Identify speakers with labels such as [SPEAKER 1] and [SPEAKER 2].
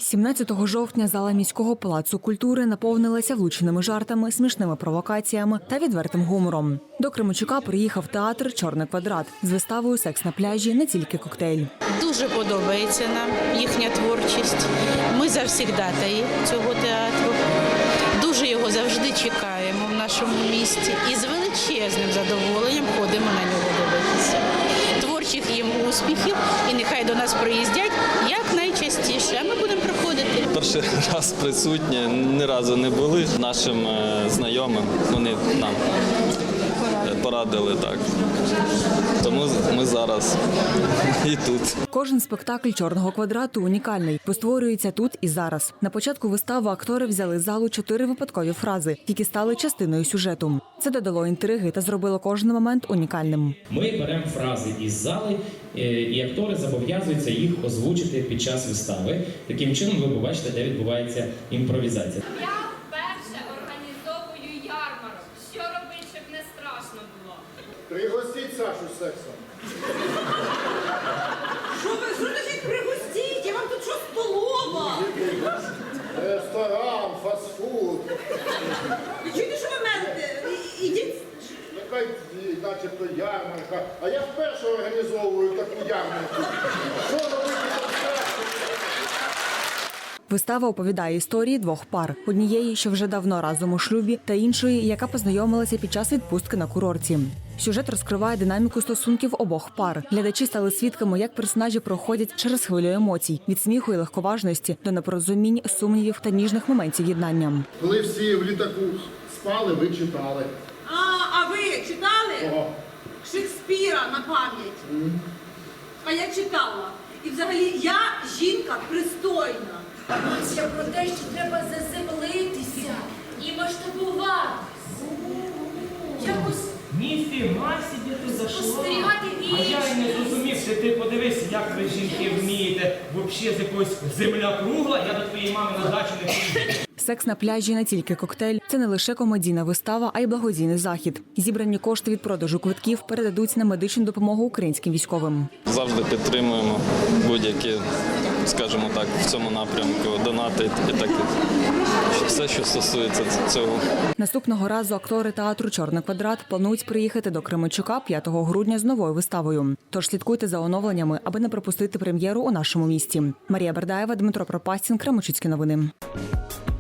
[SPEAKER 1] 17 жовтня зала міського палацу культури наповнилася влучними жартами, смішними провокаціями та відвертим гумором. До Кременчука приїхав театр «Чорний квадрат» з виставою «Секс на пляжі. Не тільки коктейль».
[SPEAKER 2] Дуже подобається нам їхня творчість. Ми завсігдатаї цього театру. Дуже його завжди чекаємо в нашому місті і з величезним задоволенням ходимо на нього дивитися. Творчих їм успіхів і нехай до нас приїздять якнайчастіше, а ми будемо приходити.
[SPEAKER 3] Перший раз присутні, ні разу не були нашим знайомим, вони нам порадили так. Тому ми зараз і тут.
[SPEAKER 1] Кожен спектакль «Чорного квадрату» унікальний, бо створюється тут і зараз. На початку вистави актори взяли з залу 4 випадкові фрази, які стали частиною сюжету. Це додало інтриги та зробило кожен момент унікальним.
[SPEAKER 4] Ми беремо фрази із зали, і актори зобов'язуються їх озвучити під час вистави. Таким чином ви побачите, де відбувається імпровізація.
[SPEAKER 5] Я вперше організовую ярмарок. Що робити, щоб не страшно було?
[SPEAKER 6] Пригостіть Сашу сексом.
[SPEAKER 7] Що значить пригостіть? Я вам тут що, столова?
[SPEAKER 6] Ресторан, фастфуд.
[SPEAKER 7] Ви чуєте, що ви мене? Ідіть.
[SPEAKER 6] Нехай начебто ярмарка. А я вперше організовую таку ярмарку. Що робити там страшно?
[SPEAKER 1] Вистава оповідає історії двох пар. Однієї, що вже давно разом у шлюбі, та іншої, яка познайомилася під час відпустки на курорті. Сюжет розкриває динаміку стосунків обох пар. Глядачі стали свідками, як персонажі проходять через хвилю емоцій – від сміху і легковажності до непорозумінь, сумнівів та ніжних моментів єднання.
[SPEAKER 6] Коли всі в літаку спали, ви читали.
[SPEAKER 7] А ви читали?
[SPEAKER 6] О.
[SPEAKER 7] Шекспіра на пам'ять. А я читала. І взагалі я жінка пристойна.
[SPEAKER 5] Це про те, що треба заземлитися і масштабуватися. Якось
[SPEAKER 4] Ніфіга собі ти зайшла.
[SPEAKER 5] спостерігати
[SPEAKER 4] А я й не зрозумів, що ти подивись, як ви жінки вмієте. Взагалі з якоїсь земля кругла, я до твоєї мами на дачу не приїду.
[SPEAKER 1] «Секс на пляжі. Не тільки коктейль» – це не лише комедійна вистава, а й благодійний захід. Зібрані кошти від продажу квитків передадуть на медичну допомогу українським військовим.
[SPEAKER 3] Завжди підтримуємо будь-які, скажімо так, в цьому напрямку донати і так. Все, що стосується цього.
[SPEAKER 1] Наступного разу актори театру «Чорний квадрат» планують приїхати до Кременчука 5 грудня з новою виставою. Тож слідкуйте за оновленнями, аби не пропустити прем'єру у нашому місті. Марія Бердаєва, Дмитро Пропастін, Кременчуцькі новини.